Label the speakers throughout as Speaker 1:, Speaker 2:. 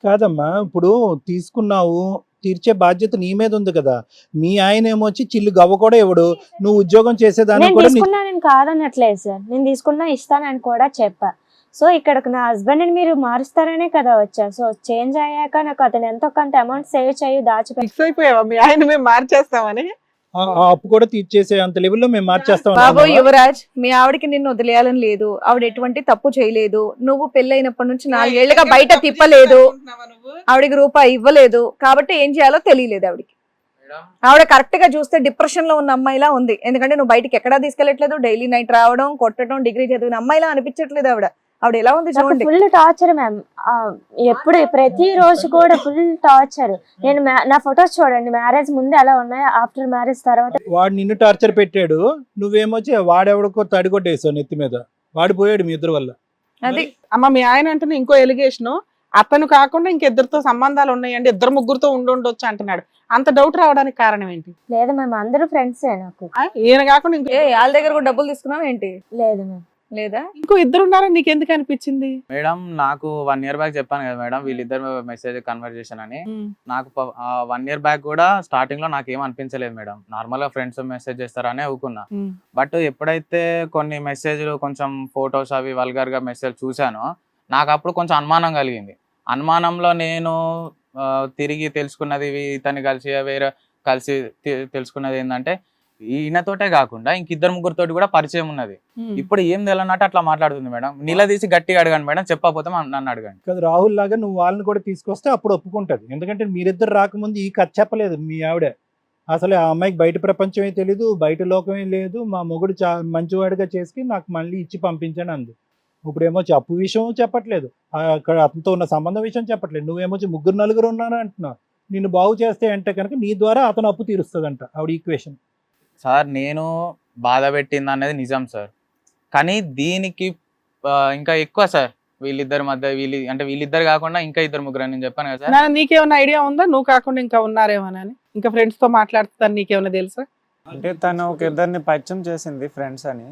Speaker 1: కాదమ్మా, ఇప్పుడు తీసుకున్నావు, తీర్చే బాధ్యత నీ మీద ఉంది కదా. మీ ఆయన ఏమో వచ్చి చిల్లు గవ్వ కూడా ఇవ్వడు, నువ్వు ఉద్యోగం చేసేదానికి
Speaker 2: నేను
Speaker 1: కూడా
Speaker 2: తీసుకున్నానని కాదనట్లేదు సార్, నేను తీసుకున్నా ఇస్తానని కూడా చెప్పా. సో ఇక్కడ నా హస్బెండ్ ని మీరు మారుస్తారనే కదా వచ్చా. సో చేంజ్ అయ్యాక నాకు అతను ఎంతో కొంత అమౌంట్ సేవ్ చేయి దాచిపెట్టి
Speaker 3: ఫిక్స్ అయిపోయావా మీ ఆయన మేము మార్చేస్తామని?
Speaker 1: ఆ అప్పు కూడా తీర్చేసే అంత లెవెల్లో మేము మార్చేస్తాం
Speaker 4: బాబు
Speaker 1: అన్నావా?
Speaker 4: యువరాజ్, మీ ఆవిడకి నిన్ను వదిలేయాలని లేదు. ఆవిడ ఎటువంటి తప్పు చేయలేదు. నువ్వు పెళ్ళైనప్పటి నుంచి 4 ఏళ్లుగా బయట తిప్పలేదు. ఆవిడకి రూపాయి ఇవ్వలేదు. కాబట్టి ఏం చేయాలో తెలియలేదు ఆవిడకి. ఆవిడ కరెక్ట్ గా చూస్తే డిప్రెషన్ లో ఉన్న అమ్మాయిలా ఉంది. ఎందుకంటే నువ్వు బయటికి ఎక్కడా తీసుకెళ్లట్లేదు. డైలీ నైట్ రావడం, కొట్టడం, డిగ్రీ చదివిన అమ్మాయిలా అనిపించట్లేదు ఆవిడ. ఆవిడ ఎలా ఉంది చూడండి.
Speaker 2: Full torture ma'am. ఎప్పుడు ప్రతి రోజు కూడా ఫుల్ టార్చర్. నేను నా ఫొటోస్ చూడండి, మ్యారేజ్ ముందు ఎలా ఉన్నాయో ఆఫ్టర్ మ్యారేజ్ తర్వాత.
Speaker 1: వాడు నిన్ను టార్చర్ పెట్టాడు, నువ్వేమొచ్చి వాడెవడికో తడిగొట్టేసావు నెత్తి మీద. వాడు పోయాడు మీ ఇద్దరు వల్ల.
Speaker 4: అది
Speaker 3: అమ్మ మీ ఆయన అంటున్నా ఇంకో ఎలిగేషన్, అతను కాకుండా ఇంకిద్దరితో సంబంధాలు ఉన్నాయండి, 2-3 ఉండొచ్చు అంటున్నాడు. అంత డౌట్ రావడానికి కారణం ఏంటి?
Speaker 2: లేదు మ్యామ్, అందరూ ఫ్రెండ్సే నాకు.
Speaker 3: ఈయన కాకుండా ఇంకో
Speaker 4: వాళ్ళ దగ్గర కూడా డబ్బులు తీసుకున్నావు ఏంటి?
Speaker 2: లేదు మ్యామ్.
Speaker 4: లేదా?
Speaker 3: ఇంకో ఇద్దరు ఉన్నారని నీకు ఎందుకు అనిపించింది?
Speaker 5: మేడం నాకు 1 year బ్యాక్ చెప్పాను కదా మేడం, వీళ్ళిద్దరు మెసేజ్ కన్వర్జేషన్ అని. నాకు 1 year బ్యాక్ కూడా స్టార్టింగ్ లో నాకు ఏం అనిపించలేదు మేడం. నార్మల్ గా ఫ్రెండ్స్ మెసేజ్ చేస్తారని ఊకున్నా. బట్ ఎప్పుడైతే కొన్ని మెసేజ్లు కొంచెం ఫొటోస్ అవి వల్గర్ గా మెసేజ్ చూసానో నాకు అప్పుడు కొంచెం అనుమానం కలిగింది. అనుమానంలో నేను తిరిగి తెలుసుకున్నది ఇతన్ని కలిసి తెలుసుకున్నది ఏంటంటే ఈయనతోటే కాకుండా ఇంకిద్దరు ముగ్గురితోటి కూడా పరిచయం ఉన్నది. ఇప్పుడు ఏం తెలియనట్టు అట్లా మాట్లాడుతుంది మేడం. నిలదీసి గట్టిగా అడగండి మేడం, చెప్పకపోతే నన్ను అడగండి.
Speaker 1: కదా రాహుల్ లాగా నువ్వు వాళ్ళని కూడా తీసుకొస్తే అప్పుడు ఒప్పుకుంటది. ఎందుకంటే మీరిద్దరు రాకముందు ఈ కథ చెప్పలేదు మీ ఆవిడ. అసలు ఆ అమ్మాయికి బయట ప్రపంచమే తెలీదు, బయట లోకమే లేదు, మా మొగుడు మంచివాడిగా చేసి నాకు మళ్ళీ ఇచ్చి పంపించాను అంది. ఇప్పుడేమో అప్పు విషయం చెప్పట్లేదు, అక్కడ అతనితో ఉన్న సంబంధం విషయం చెప్పట్లేదు. నువ్వేమో 3-4 ఉన్నారు అంటున్నావు. నిన్ను బాగు చేస్తే అంటే కనుక నీ ద్వారా అతను అప్పు తీరుస్తుందంట ఆవిడ ఈక్వేషన్.
Speaker 5: సార్ నేను బాధ పెట్టింది అనేది నిజం సార్, కానీ దీనికి ఇంకా ఎక్కువ సార్ వీళ్ళిద్దరి మధ్య వీళ్ళిద్దరు కాకుండా ఇంకా 2-3 నేను చెప్పాను కదా సార్.
Speaker 3: నీకేమైనా ఐడియా ఉందా నువ్వు కాకుండా ఇంకా ఉన్నారేమోనని? ఇంకా ఫ్రెండ్స్ తో మాట్లాడుతాను నీకేమైనా తెలుసా?
Speaker 6: అంటే తను ఒక ఇద్దరిని పరిచయం చేసింది ఫ్రెండ్స్ అని.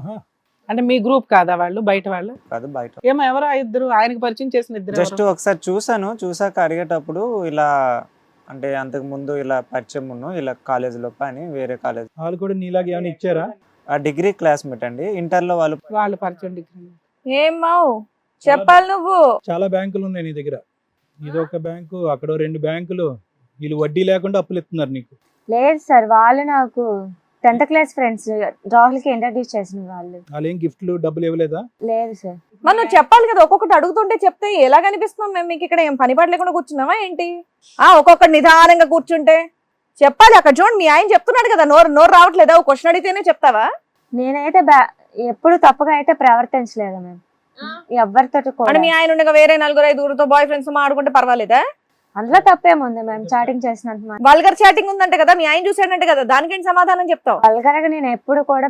Speaker 3: అంటే మీ గ్రూప్ కాదా వాళ్ళు? బయట వాళ్ళు
Speaker 6: కాదు, బయట.
Speaker 3: ఏమో ఎవరో ఇద్దరు ఆయనకి పరిచయం చేసిన ఇద్దరు.
Speaker 6: జస్ట్ ఒకసారి చూసాక అడిగేటప్పుడు ఇలా అంటే అంతకు ముందు ఇలా పరిచయం ఇలా కాలేజ్ లో అని వేరే కాలేజ్
Speaker 1: వాళ్ళు కూడా నీలాగా ఏమైనా ఇచ్చారా?
Speaker 6: ఆ డిగ్రీ క్లాస్మేట్ అండి, ఇంటర్ లో
Speaker 3: వాళ్ళు పరిచయం డిగ్రీ.
Speaker 4: ఏం మావు చెప్పాలి నువ్వు?
Speaker 1: చాలా బ్యాంకులు ఉన్నాయి నీ దగ్గర. ఇదొక బ్యాంకు, అక్కడ 2 బ్యాంకులు. వీళ్ళు వడ్డీ లేకుండా అప్పులు ఇస్తున్నారు నీకు.
Speaker 2: లేదు సార్, వాళ్ళు నాకు 10th క్లాస్ ఫ్రెండ్స్. రాహుల్ కి ఇంట్రడ్యూస్ చేసిన వాళ్ళు.
Speaker 1: వాళ్ళు ఏం గిఫ్ట్లు డబ్బులు ఇవ్వలేదా?
Speaker 2: లేదు సార్.
Speaker 4: మనం చెప్పాలి కదా, ఒక్కొక్కటి అడుగుతుంటే చెప్తే ఎలా కనిపిస్తున్నాం మేము? మీకు ఇక్కడ ఏం పని పాట లేకుండా కూర్చున్నావా ఏంటి? ఒక్కొక్కటి నిదానంగా కూర్చుంటే చెప్పాలి. అక్కడ చూడండి మీ ఆయన చెప్తున్నాడు కదా, నోరు రావట్లేదా? ఒక క్వశ్చన్ అడిగితేనే చెప్తావా?
Speaker 2: నేనైతే ఎప్పుడు తప్పుగా అయితే ప్రవర్తించలేదు మేము ఎవరితో
Speaker 4: అంటే మీ ఆయన ఉండగా వేరే 4-5 బాయ్ ఫ్రెండ్స్ ఆడుకుంటే పర్వాలేదా?
Speaker 2: అందులో తప్పేముంది మేము చాటింగ్ చేసినంత.
Speaker 4: వల్గర్ చాటింగ్ ఉందంటే కదా, మీ ఆయన చూసాడంటే కదా, దానికేంటి సమాధానం చెప్తావు?
Speaker 2: వల్గర్గా నేను ఎప్పుడు కూడా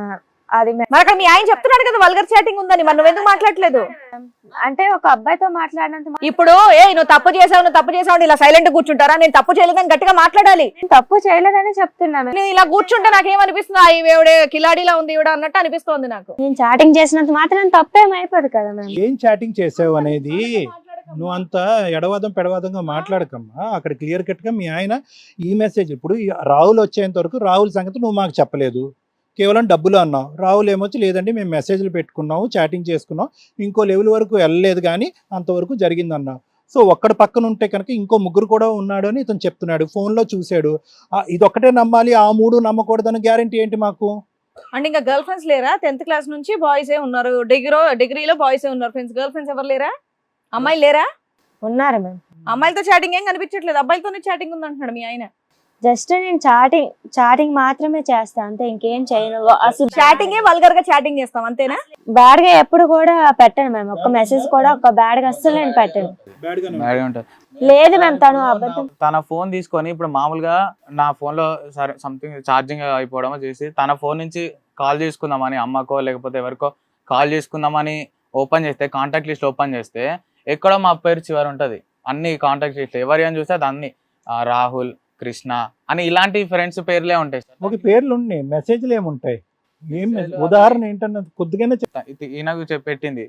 Speaker 2: అది
Speaker 4: మరి అక్కడ మీ ఆయన చెప్తున్నాడు కదా వల్గర్ చాటింగ్ ఉందని, మరి నువ్వెందుకు మాట్లాడలేదు?
Speaker 2: అంటే ఒక అబ్బాయితో మాట్లాడినంత.
Speaker 4: ఇప్పుడు నువ్వు తప్పు చేసావు ఇలా సైలెంట్ కూర్చుంటారా? నేను తప్పు చేయలేదని గట్టిగా మాట్లాడాలి.
Speaker 2: తప్పు చేయలేదని చెప్తున్నాను.
Speaker 4: నేను ఇలా కూర్చుంటే నాకేమనిపిస్తుంది, ఈవిడే కిలాడీలా ఉంది ఈవిడ అన్నట్టు అనిపిస్తోంది నాకు.
Speaker 2: నేను చాటింగ్ చేసినంత మాత్రం తప్పేమైపోదు కదా మేము.
Speaker 1: ఏం చాటింగ్ చేసావు అనేది నువ్వు అంత ఎడవాదం పెడవాదంగా మాట్లాడకమ్మా. అక్కడ క్లియర్ కట్ గా మీ ఆయన ఈ మెసేజ్, ఇప్పుడు రాహుల్ వచ్చేంత వరకు రాహుల్ సంగతి నువ్వు మాకు చెప్పలేదు, కేవలం డబ్బులు అన్నావు. రాహుల్ ఏమొచ్చి లేదండి మేము మెసేజ్లు పెట్టుకున్నాము, చాటింగ్ చేసుకున్నాం, ఇంకో లెవెల్ వరకు వెళ్ళలేదు కానీ అంతవరకు జరిగింది అన్నావు. సో ఒక్కడ పక్కన ఉంటే కనుక ఇంకో 3 కూడా ఉన్నాడు అని ఇతను చెప్తున్నాడు, ఫోన్లో చూశాడు. ఇదొక్కటే నమ్మాలి, ఆ 3 నమ్మకూడదని గ్యారంటీ ఏంటి మాకు?
Speaker 4: అంటే ఇంకా గర్ల్ ఫ్రెండ్స్ లేరా? 10th క్లాస్ నుంచి బాయ్సే ఉన్నారు, డిగ్రీలో బాయ్సే ఉన్నారు ఫ్రెండ్స్. గర్ల్ ఫ్రెండ్స్ ఎవరు లేరా? అమ్మాయిలు లేరా?
Speaker 2: ఉన్నారు మేము.
Speaker 4: అమ్మాయిలతో చాటింగ్ ఏం కనిపించట్లేదు, అబ్బాయిలతోనే చాటింగ్ ఉంది అంటున్నాడు మీ ఆయన.
Speaker 2: జస్ట్ నేను చాటింగ్ మాత్రమే చేస్తా అంతే, ఇంకేం చేయను. అసలు
Speaker 4: చాటింగ్ వల్గర్ గా చాటింగ్ చేస్తాం అంతేనా?
Speaker 2: బ్యాడ్ గా ఎప్పుడు కూడా పెట్టను మేము. ఒక్క మెసేజ్ కూడా ఒక బ్యాడ్ గా అస్సలు నేను పెట్టను. లేదు మేము తను అబద్ధం.
Speaker 5: తన ఫోన్ తీసుకొని ఇప్పుడు మామూలుగా నా ఫోన్ లో సరే సంథింగ్ ఛార్జింగ్ అయిపోవడమో చేసి తన ఫోన్ నుంచి కాల్ చేసుకుందామని అమ్మకో లేకపోతే ఎవరికో కాల్ చేసుకుందామని ఓపెన్ చేస్తే, కాంటాక్ట్ లిస్ట్ ఓపెన్ చేస్తే ఎక్కడో మా పేరు చివరి ఉంటది. అన్ని కాంటాక్ట్ లిస్ట్ ఎవరి అని చూస్తే అది అన్ని రాహుల్, కృష్ణ అని ఇలాంటి ఫ్రెండ్స్ పేర్లే ఉంటాయి.
Speaker 1: ఒక పేర్లు ఉన్నాయి, మెసేజ్లు ఏముంటాయి? ఏం ఉదాహరణ ఏంటన్నది కొద్దిగానే
Speaker 5: ఈయనకు పెట్టింది,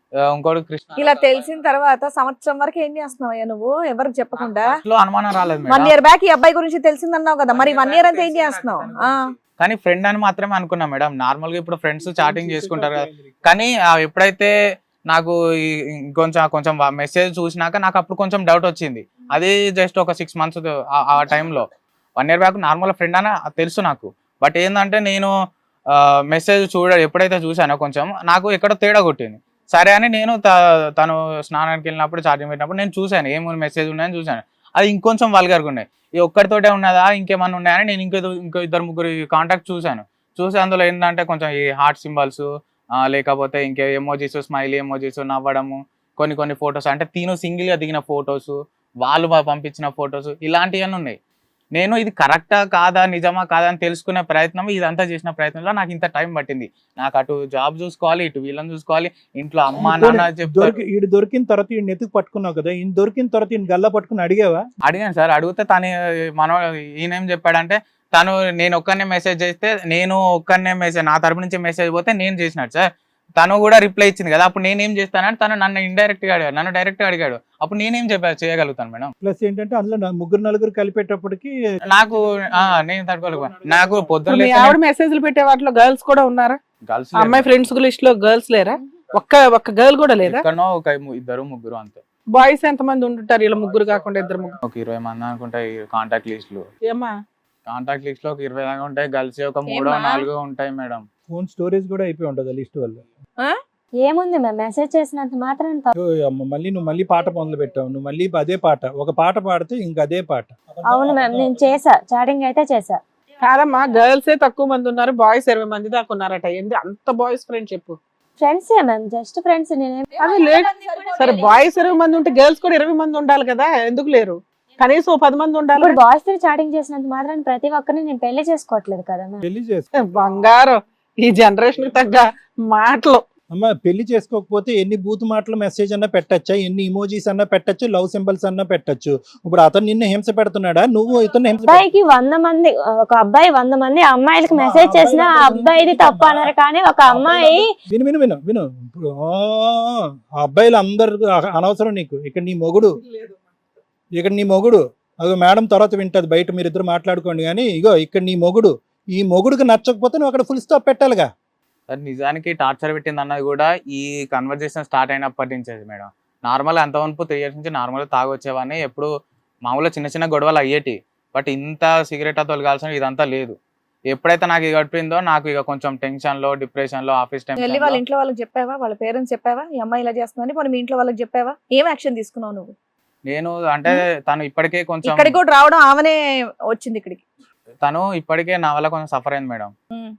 Speaker 5: ఇంకోటి కృష్ణ
Speaker 4: ఇలా తెలిసిన తర్వాత సంవత్సరం వరకు ఏం చేస్తున్నావయ్యా నువ్వు ఎవరికి చెప్పకుండా?
Speaker 5: లో అనుమానం రాలేదు
Speaker 4: 1
Speaker 5: మేడం.
Speaker 4: year బ్యాక్ ఈ అబ్బాయి గురించి తెలిసిందన్నావు కదా, మరి 1 year అంతా ఏం చేస్తున్నావు?
Speaker 5: కానీ ఫ్రెండ్ అని మాత్రమే అనుకున్నా మేడం. నార్మల్ గా ఇప్పుడు ఫ్రెండ్స్ చాటింగ్ చేసుకుంటారు కదా. కానీ ఎప్పుడైతే నాకు కొంచెం మెసేజ్ చూసినాక నాకు అప్పుడు కొంచెం డౌట్ వచ్చింది. అది జస్ట్ ఒక 6 months ఆ టైంలో. 1 year బ్యాక్ నార్మల్ ఫ్రెండ్ అని తెలుసు నాకు. బట్ ఏంటంటే నేను మెసేజ్ ఎప్పుడైతే చూసానో కొంచెం నాకు ఎక్కడో తేడా కొట్టింది. సరే అని నేను తను స్నానానికి వెళ్ళినప్పుడు ఛార్జింగ్ పెట్టినప్పుడు నేను చూశాను ఏమో మెసేజ్ ఉన్నాయని చూశాను. అది ఇంకొంచెం వల్గర్గా ఉన్నాయి. ఈ ఒక్కరితోటే ఉన్నదా ఇంకేమన్నా ఉన్నాయని నేను ఇంకో 2-3 కాంటాక్ట్ చూసి అందులో ఏంటంటే కొంచెం ఈ హార్ట్ సింబల్స్ లేకపోతే ఇంకే ఎమోజీస్, స్మైలీ ఎమోజీస్, నవ్వడము, కొన్ని ఫొటోస్ అంటే తిను సింగిల్ గా దిగిన ఫొటోస్, వాళ్ళు పంపించిన ఫొటోస్, ఇలాంటివన్నీ ఉన్నాయి. నేను ఇది కరెక్టా కాదా నిజమా కాదా అని తెలుసుకునే ప్రయత్నం, ఇదంతా చేసిన ప్రయత్నంలో నాకు ఇంత టైం పట్టింది. నాకు అటు జాబ్ చూసుకోవాలి, ఇటు వీళ్ళని చూసుకోవాలి, ఇంట్లో అమ్మా నాన్న చెప్తారు.
Speaker 1: ఈడు దొరికిన తర్వాత ఈయన ఎత్తుకు పట్టుకున్నావు కదా, ఈయన దొరికిన తర్వాత ఈయన గల్లా పట్టుకుని అడిగావా?
Speaker 5: అడిగాను సార్. అడిగితే ఈయనేం చెప్పాడంటే నేను ఒక్కనే మెసేజ్ చేస్తే నా తరపు నుంచి మెసేజ్ పోతే నేను చేసినట్టు సార్. తను కూడా రిప్లై ఇచ్చింది కదా. అప్పుడు నేనేం చేస్తానంటే తను నన్ను ఇండైరెక్ట్ గా అడిగాడు, నన్ను డైరెక్ట్ గా అడిగాడు. అప్పుడు నేనేం చేయగలుగుతాను మేడం?
Speaker 1: ప్లస్ ఏంటంటే అందులో 3-4 కలిపేటప్పటికి
Speaker 5: నాకు నేను తట్టుకోలేకపోయాను. నాకు పొద్దున్న
Speaker 3: మీ ఆవిడ మెసేజ్లు పెట్టే వాటిలో గర్ల్స్ కూడా ఉన్నారా?
Speaker 5: గర్ల్స్
Speaker 3: అమ్మాయి ఫ్రెండ్స్ లిస్ట్ లో గర్ల్స్ లేరా? ఒక్క గర్ల్ కూడా లేదా?
Speaker 5: ఎక్కడో ఒక 2-3 అంతే.
Speaker 3: బాయ్స్ ఎంత మంది ఉంటుంటారు ఇలా 3 కాకుండా 2-3?
Speaker 5: ఒక 20 మంది అనుకుంటా కాంటాక్ట్ లిస్ట్ లో.
Speaker 3: ఏమా
Speaker 5: కాంటాక్ట్ లిస్ట్ లో ఒక 20 దాకా ఉంటాయి. గర్ల్స్ ఒక 3-4 ఉంటాయి మేడం.
Speaker 1: ఫోన్ స్టోరేజ్ కూడా అయిపోయి ఉంటది లిస్ట్ వల్ల.
Speaker 2: ఏముంది మేము మెసేజ్ చేసినంత మాత్రం
Speaker 1: నువ్వు మళ్ళీ పాట మొదలు పెట్టావు. నువ్వు మళ్ళీ అదే పాట, ఒక పాట పాడితే ఇంకా అదే పాట.
Speaker 2: అవును మ్యామ్, నేను చేసా, చాటింగ్ అయితే చేసా.
Speaker 3: కాదమ్మా, గర్ల్సే తక్కువ మంది ఉన్నారు, బాయ్స్ 20 మంది దాకా ఉన్నారట. ఏంది అంత బాయ్స్ ఫ్రెండ్ చెప్పు?
Speaker 2: Friends ma'am, just friends.
Speaker 3: సరే బాయ్స్ 20 మంది ఉంటే గర్ల్స్ కూడా 20 మంది ఉండాలి కదా, ఎందుకు లేరు? కనీసం 10 మంది ఉండాలి.
Speaker 2: ఇప్పుడు బాయ్స్ తో చాటింగ్ చేసినంత మాత్రం ప్రతి ఒక్కరిని నేను పెళ్లి చేసుకోవట్లేదు కదా మ్యామ్.
Speaker 1: పెళ్లి చేసుకో
Speaker 3: బంగారం, ఈ జనరేషన్ కి తగ్గ మాటలు.
Speaker 1: అమ్మ, పెళ్లి చేసుకోకపోతే ఎన్ని బూత్ మాటలు మెసేజ్ అన్నా పెట్టచ్చా, ఎన్ని ఇమోజీస్ అన్నా పెట్టచ్చు, లవ్ సింబల్స్ అన్నా పెట్టచ్చు. ఇప్పుడు అతను నిన్ను హింస పెడుతున్నాడా, నువ్వు ఇతను హింస?
Speaker 2: అబ్బాయికి 100 మంది, ఒక అబ్బాయి 100 మంది అమ్మాయిలకు మెసేజ్ చేసినా ఆ అబ్బాయిది తప్పు అన్నారు. కానీ ఒక అమ్మాయి
Speaker 1: విను ఇప్పుడు ఆ అబ్బాయిలు అందరు అనవసరం నీకు. ఇక్కడ నీ మొగుడు అదో మేడం తర్వాత వింటది బయట, మీరిద్దరు మాట్లాడుకోండి. కానీ ఇగో ఇక్కడ నీ మొగుడు, ఈ మొగుడుకి నచ్చకపోతే నువ్వు అక్కడ ఫుల్ స్టాప్ పెట్టాలిగా.
Speaker 5: నిజానికి టార్చర్ పెట్టింది అన్నది కూడా ఈ కన్వర్జేషన్ స్టార్ట్ అయినప్పటి నుంచి మేడం. నార్మల్ అంతవరకు 3 years నుంచి నార్మల్ తాగొచ్చేవాడిని. ఎప్పుడు మామూలుగా చిన్న గొడవలు అయ్యేటి. బట్ ఇంత సిగరెట్ తొలగాల్సిన ఇదంతా లేదు. ఎప్పుడైతే నాకు ఇది గడిపిందో నాకు ఇక కొంచెం టెన్షన్ లో, డిప్రెషన్ లో, ఆఫీస్ టైం
Speaker 4: వెళ్ళి వాళ్ళ ఇంట్లో వాళ్ళకి చెప్పావా? వాళ్ళ పేరెంట్స్ చెప్పావా ఈ అమ్మాయి ఇలా చేస్తుందని? పోనీ మీ ఇంట్లో వాళ్ళకి చెప్పావా? ఏం యాక్షన్ తీసుకున్నావు నువ్వు?
Speaker 5: నేను అంటే తను ఇప్పటికే కొంచెం
Speaker 4: ఇక్కడికి కూడా రావడం ఆమెనే వచ్చింది ఇక్కడికి.
Speaker 5: తను ఇప్పటికే నా వల్ల కొంచెం సఫర్ అయింది మేడం.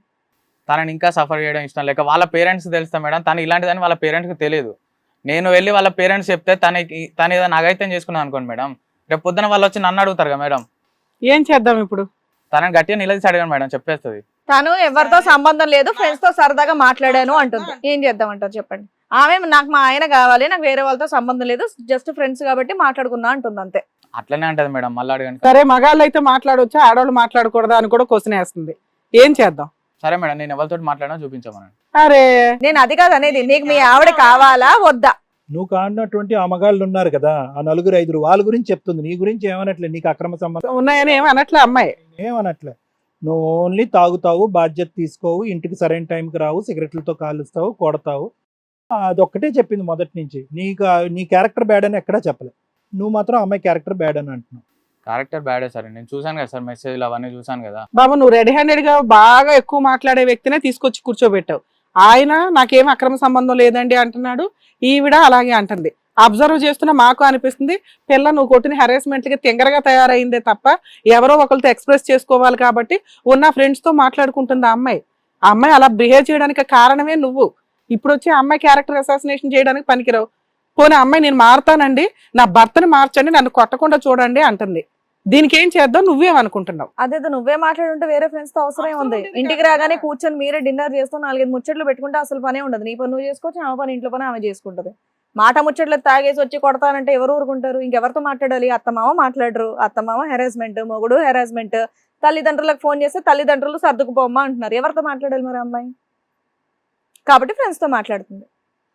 Speaker 5: తనని ఇంకా సఫర్ చేయడం ఇష్టం లేక వాళ్ళ పేరెంట్స్ తెలుస్తా మేడం. తను ఇలాంటిదని వాళ్ళ పేరెంట్స్కి తెలియదు. నేను వెళ్ళి వాళ్ళ పేరెంట్స్ చెప్తే తను ఏదో నాగైతే చేసుకున్నాను అనుకోండి మేడం. రేపు పొద్దున వాళ్ళు వచ్చి నన్ను అడుగుతారు కదా మేడం.
Speaker 3: ఏం చేద్దాం ఇప్పుడు?
Speaker 5: తనని గట్టిగా నిలదీసి అడిగాను మేడం, చెప్పేస్తుంది.
Speaker 4: తను ఎవరితో సంబంధం లేదు, ఫ్రెండ్స్ తో సరదాగా మాట్లాడాను అంటుంది. ఏం చేద్దామంటారు చెప్పండి? ఆమె నాకు మా ఆయన కావాలి, నాకు వేరే వాళ్ళతో సంబంధం లేదు, జస్ట్ ఫ్రెండ్స్ కాబట్టి మాట్లాడుకున్నా అంటుంది అంతే.
Speaker 5: అట్లనే అంటది మేడం. మళ్ళీ అడగండి.
Speaker 3: సరే, మగాళ్ళు అయితే మాట్లాడొచ్చా, ఆడవాళ్ళు మాట్లాడకూడదా అని కూడా క్వశ్చన్ వేస్తుంది. ఏం చేద్దాం?
Speaker 5: సరే మేడం, నేను ఎవరితో మాట్లాడినా చూపించమనండి.
Speaker 3: అరే
Speaker 4: నేను అది కాదు అనేది, నీకు మీ ఆవిడ కావాలా వద్దా?
Speaker 1: నువ్వు కాడినటువంటి ఆ మగాళ్ళు ఉన్నారు కదా, ఆ 4-5 వాళ్ళ గురించి చెప్తుంది. నీ గురించి ఏమనట్లే, నీకు అక్రమ సంబంధం
Speaker 3: ఉన్నాయని ఏమనట్లే అమ్మాయి.
Speaker 1: ఏమనట్లే. నువ్వు ఓన్లీ తాగుతావు, బాధ్యత తీసుకోవు, ఇంటికి సరైన టైంకి రావు, సిగరెట్లతో కాలుస్తావు, కొడతావు. అదొక్కటే చెప్పింది మొదటి నుంచి. నీ క్యారెక్టర్ బ్యాడ్ అని ఎక్కడా చెప్పలే. నువ్వు మాత్రం అమ్మాయి క్యారెక్టర్ బ్యాడ్ అని అంటున్నావు.
Speaker 5: క్యారెక్టర్ బ్యాడే సార్. నేను చూసాను కదా సార్, మెసేజ్లు అవన్నీ చూసాను కదా.
Speaker 3: బాబు, నువ్వు రెడీ హ్యాండెడ్ గా బాగా ఎక్కువ మాట్లాడే వ్యక్తినే తీసుకొచ్చి కూర్చోబెట్టావు. ఆయన నాకేం అక్రమ సంబంధం లేదండి అంటున్నాడు, ఈవిడ అలాగే అంటుంది. అబ్జర్వ్ చేస్తున్నా మాకు అనిపిస్తుంది పిల్ల నువ్వు కొట్టిన హెరాస్మెంట్ కి తింగరగా తయారైందే తప్ప ఎవరో ఒకరితో ఎక్స్ప్రెస్ చేసుకోవాలి కాబట్టి ఉన్న ఫ్రెండ్స్ తో మాట్లాడుకుంటుంది ఆ అమ్మాయి. ఆ అమ్మాయి అలా బిహేవ్ చేయడానికి కారణమే నువ్వు. ఇప్పుడు వచ్చి అమ్మాయి క్యారెక్టర్ అసాసినేషన్ చేయడానికి పనికిరావు. పోనీ అమ్మాయి నేను మారుతానండి, నా భర్తని మార్చండి, నన్ను కొట్టకుండా చూడండి అంటుంది. దీనికి ఏం చేద్దాం, నువ్వేమనుకుంటున్నావు?
Speaker 4: అదేదో నువ్వే మాట్లాడుంటే వేరే ఫ్రెండ్స్ తో అవసరం ఉంది. ఇంటికి రాగానే కూర్చొని మీరే డిన్నర్ చేస్తూ 4-5 ముచ్చట్లు పెట్టుకుంటే అసలు పనే ఉండదు. నీ పని నువ్వు చేసుకోవచ్చు, ఆమె పని ఇంట్లో పని ఆమె చేసుకుంటది. మాట ముచ్చట్లు తాగేసి వచ్చి కొడతానంటే ఎవరు ఊరుకుంటారు? ఇంకెవరితో మాట్లాడాలి? అత్తమామ మాట్లాడరు, అత్తమామ హెరాస్మెంట్, మొగుడు హెరాస్మెంట్, తల్లిదండ్రులకు ఫోన్ చేస్తే తల్లిదండ్రులు సర్దుకుపోమ్మా అంటున్నారు. ఎవరితో మాట్లాడాలి మరి అమ్మాయి? కాబట్టి ఫ్రెండ్స్ తో మాట్లాడుతుంది.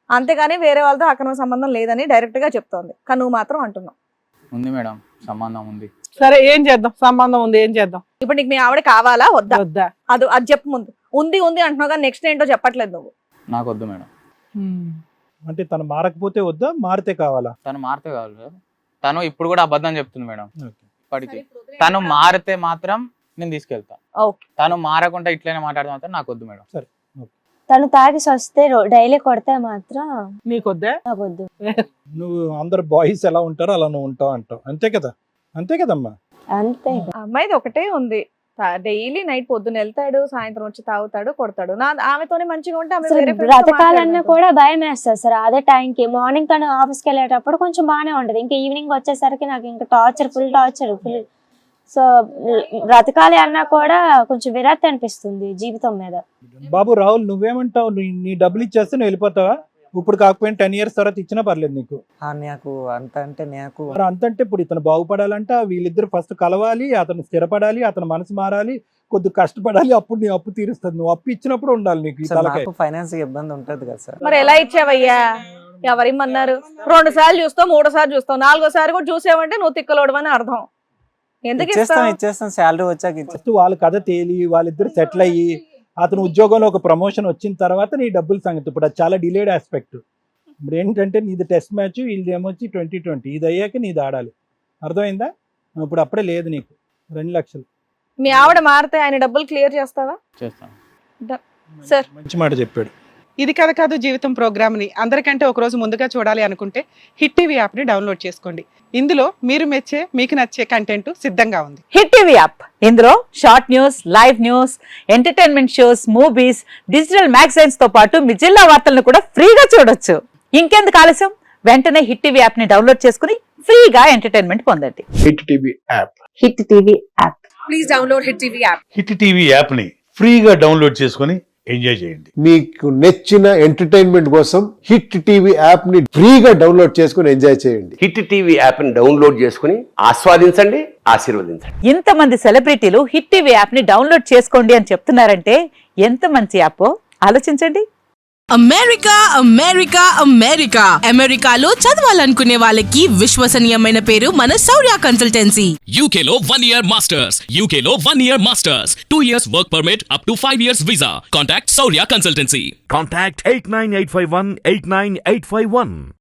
Speaker 4: అంతేగాని వేరే వాళ్ళతో అక్రమ సంబంధం లేదని డైరెక్ట్ గా చెప్తోంది. కానీ నువ్వు మాత్రం అంటున్నావు.
Speaker 5: ఉంది మేడం, సంబంధం ఉంది.
Speaker 3: సరే ఏం చేద్దాం, సంబంధం ఉంది, ఏం చేద్దాం?
Speaker 4: ఇప్పుడు నీకు మీ ఆవిడ కావాలా వద్దా?
Speaker 3: వద్దా?
Speaker 4: అది చెప్పు ముందు. ఉంది అంటున్నావు కానీ నెక్స్ట్ ఏంటో చెప్పట్లేదు నువ్వు.
Speaker 5: నాకు వద్దు మేడం.
Speaker 1: అంటే తను మారకపోతే వద్దా, మారితే కావాలా?
Speaker 5: తను మారితే కావాలి సార్. తను ఇప్పుడు కూడా అబద్ధం చెప్తుంది మేడం.
Speaker 1: ఓకే.
Speaker 5: ఇప్పటికి తను మారితే మాత్రం నేను తీసుకెళ్తా.
Speaker 4: ఓకే.
Speaker 5: తను మారకుండా ఇట్లనే మాట్లాడితే మాత్రం నాకు వద్దు మేడం.
Speaker 1: సరే.
Speaker 2: తను తాగిసి వస్తే డైలీ కొడితే మాత్రం
Speaker 3: నీకొద్దా?
Speaker 2: నాకు వద్దు.
Speaker 1: నువ్వు అందరు బాయ్స్ ఎలా ఉంటారో అలా నువ్వు ఉంటావు అంటావు, అంతే కదా? అంతే కదమ్మా.
Speaker 2: అంతే.
Speaker 4: ఆ అమ్మాయిది ఒకటే ఉంది, డైలీ నైట్ పొద్దున వెళ్తాడు, సాయంత్రం వచ్చి తాగుతాడు, కొడతాడు. ఆమెతోనే మంచిగా ఉంటే ఆమె వేరే friends తో
Speaker 2: బ్రతకాలన్నా
Speaker 4: మాట్లాడదు.
Speaker 2: కూడా భయం వేస్తుంది సార్. అదే టైంకి మార్నింగ్ తను ఆఫీస్కి వెళ్ళేటప్పుడు కొంచెం బాగానే ఉంటది, ఇంకా ఈవినింగ్ వచ్చేసరికి నాకు ఇంకా ఫుల్ టార్చర్. సో బ్రతకాలి అన్నా కూడా కొంచెం విరక్తి అనిపిస్తుంది జీవితం మీద.
Speaker 1: బాబు రాహుల్, నువ్వేమంటావు? నీ డబ్బులు ఇచ్చేస్తే నువ్వు వెళ్ళిపోతావా? ఇప్పుడు కాకపోయినా 10 years తర్వాత ఇచ్చినా పర్లేదు నీకు.
Speaker 6: నాకు అంత అంటే నాకు
Speaker 1: మరి అంతంటే ఇప్పుడు ఇతను బాగుపడాలంటే వీళ్ళిద్దరు ఫస్ట్ కలవాలి, అతను స్థిరపడాలి, అతను మనసు మారాలి, కొద్ది కష్టపడాలి, అప్పుడు నీ అప్పు తీరుస్తుంది. నువ్వు అప్పు ఇచ్చినప్పుడు ఉండాలి నీకు ఈ
Speaker 6: సార్,
Speaker 1: తలకాయ.
Speaker 6: నాకు ఫైనాన్స్ ఇబ్బంది ఉంటది కదా సార్.
Speaker 4: మరి ఎలా ఇచ్చావయ్యా? ఎవరిమ్మన్నారు? 2 సార్లు చూస్తావు, 3 సార్లు చూస్తావు, 4వ సారి కూడా చూసావంటే నువ్వు తిక్కలోడవని అర్థం. ఎందుకు ఇస్తావు?
Speaker 6: ఇచ్చేస్తాం శాలరీ వచ్చాక
Speaker 1: ఫస్ట్ వాళ్ళ కథ తేలి వాళ్ళిద్దరు సెటిల్ అయ్యి అతను ఉద్యోగంలో ఒక ప్రమోషన్ వచ్చిన తర్వాత నీ డబ్బుల సంగతి. ఇప్పుడు అది చాలా డిలేడ్ ఆస్పెక్ట్. ఇప్పుడు ఏంటంటే నీది టెస్ట్ మ్యాచ్, వీళ్ళది ఏమొచ్చి 2020. ఇది అయ్యాక నీది ఆడాలి, అర్థమైందా? ఇప్పుడు అప్పుడే లేదు నీకు 2 లక్షలు.
Speaker 4: మీ ఆవిడ మారితే ఆయన డబ్బులు క్లియర్ చేస్తావా?
Speaker 5: చేస్తాను.
Speaker 4: సార్
Speaker 1: మంచి మాట చెప్పాడు.
Speaker 3: ఇది కథ కాదు జీవితం ప్రోగ్రామ్ని అందరికంటే ఒక రోజు ముందుగా చూడాలి అనుకుంటే హిట్ టీవీ యాప్ని డౌన్లోడ్ చేసుకోండి. ఇందులో మీరు మెచ్చే, మీకు నచ్చే కంటెంట్ సిద్ధంగా ఉంది.
Speaker 7: హిట్ టీవీ యాప్, ఇందులో short news, live news, entertainment shows, movies, digital magazines తో పాటు మీ జిల్లా వార్తలను కూడా ఫ్రీగా చూడొచ్చు. ఇంకెందుకు ఆలస్యం, వెంటనే హిట్ టీవీ యాప్ ని డౌన్లోడ్ చేసుకుని ఫ్రీగా ఎంటర్టైన్మెంట్ పొందండి.
Speaker 8: Hit TV app.
Speaker 7: Hit TV app.
Speaker 4: Please download hit TV app.
Speaker 8: Hit TV app ని ఫ్రీగా డౌన్లోడ్ చేసుకొని ఎంజాయ్ చేయండి. మీకు నచ్చిన ఎంటర్టైన్మెంట్ కోసం హిట్ టీవీ యాప్ ని ఫ్రీగా డౌన్లోడ్ చేసుకొని ఎంజాయ్ చేయండి.
Speaker 9: హిట్ టీవీ యాప్ ని డౌన్లోడ్ చేసుకుని ఆస్వాదించండి, ఆశీర్వదించండి.
Speaker 7: ఇంతమంది సెలబ్రిటీలు హిట్ టీవీ యాప్ ని డౌన్లోడ్ చేసుకోండి అని చెప్తున్నారంటే ఎంత మంచి యాప్ ఆలోచించండి.
Speaker 10: అమెరికా అమెరికాలో చదవాలనుకునే వాళ్ళకి విశ్వసనీయమైన పేరు మన శౌర్య కన్సల్టెన్సీ.
Speaker 11: UKలో 1 year masters, 2 years work permit up to 5 years visa. Contact Saurya Consultancy.
Speaker 12: Contact 89851 89851.